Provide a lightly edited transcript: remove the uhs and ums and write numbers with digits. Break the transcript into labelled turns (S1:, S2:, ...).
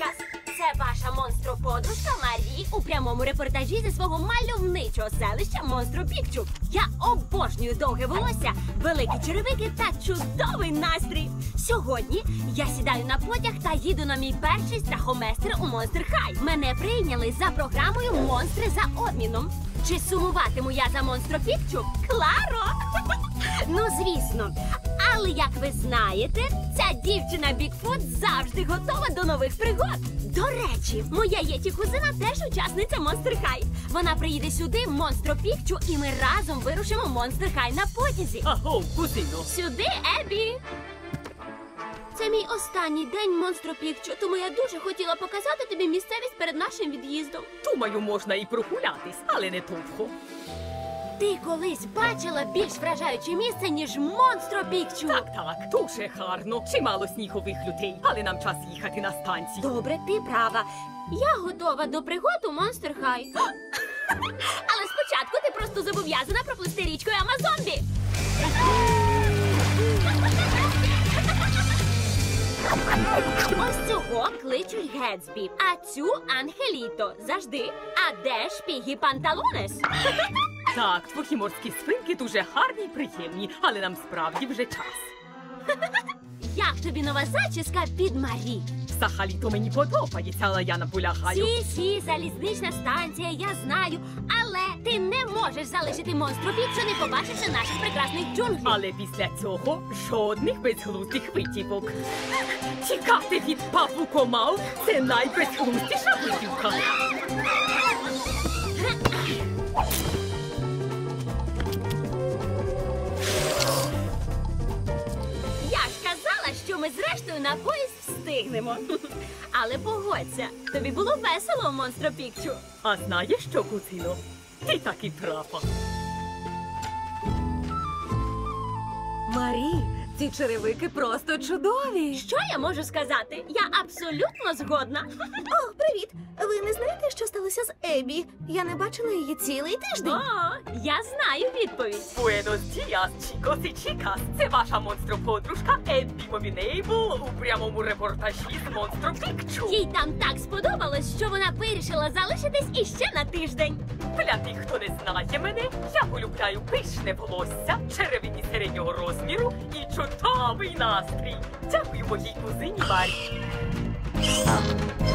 S1: Чікас! Це ваша монстроподружка Марі у прямому репортажі зі свого мальовничого селища Монстро Пікчу. Я обожнюю довге волосся, великі черевики та чудовий настрій. Сьогодні я сідаю на потяг та їду на мій перший страхоместр у Монстр Хай. Мене прийняли за програмою «Монстри за обміном». Чи сумуватиму я за Монстро Пікчу? Кларо! Ну, звісно. Але, як ви знаєте, ця дівчина Бігфут завжди готова до нових пригод. До речі, моя єті-кузина теж учасниця Монстр Хай. Вона приїде сюди, в Монстро Пікчу, і ми разом вирушимо в Монстр Хай на потязі.
S2: Аго, кузино.
S1: Сюди, Ебі! Це мій останній день Монстро Пікчу, тому я дуже хотіла показати тобі місцевість перед нашим від'їздом.
S2: Думаю, можна і прогулятись, але не довго.
S1: Ти колись бачила більш вражаюче місце, ніж Монстро Пікчу?
S2: Так, дуже гарно. Чимало снігових людей, але нам час їхати на станцію.
S1: Добре, ти права. Я готова до пригод у Монстр Хай. Але спочатку ти просто зобов'язана проплисти річкою Амазонбі. Ось цього кличуть Гетсбі, а цю Ангеліто. Завжди. А де ж Пігі Панталонес?
S2: Так, твої морські свинки дуже гарні й приємні, але нам справді вже час.
S1: Як тобі нова зачіска під Марі?
S2: Взагалі-то мені подобається, але я наполягаю.
S1: Сі, залізнична станція, я знаю. Але ти не можеш залишити Монстро Пікчу, не побачивши наших прекрасних джунглів.
S2: Але після цього жодних безглуздих витівок. Тікати від павукомав – це найбезглуздіша витівка. Що ми зрештою на поїзд встигнемо. Але погодься, тобі було весело в Монстро Пікчу. А знаєш що, кузино? Ти так і права.
S3: Марі, ці черевики просто чудові.
S1: Що я можу сказати? Я абсолютно згодна.
S4: О, привіт! Ви не знаєте, що сталося з Ебі? Я не бачила її цілий тиждень.
S1: О, я знаю відповідь.
S2: Buenos días, chicos і chicas. Це ваша монстроподружка Еббі Мовінейбл у прямому репортажі з Монстро Пікчу.
S1: Їй там так сподобалось, що вона вирішила залишитись іще на тиждень.
S2: Для тих, хто не знає мене, я полюбляю пишне волосся, черевині середнього розміру і чудовий настрій. Дякую моїй кузині Марі.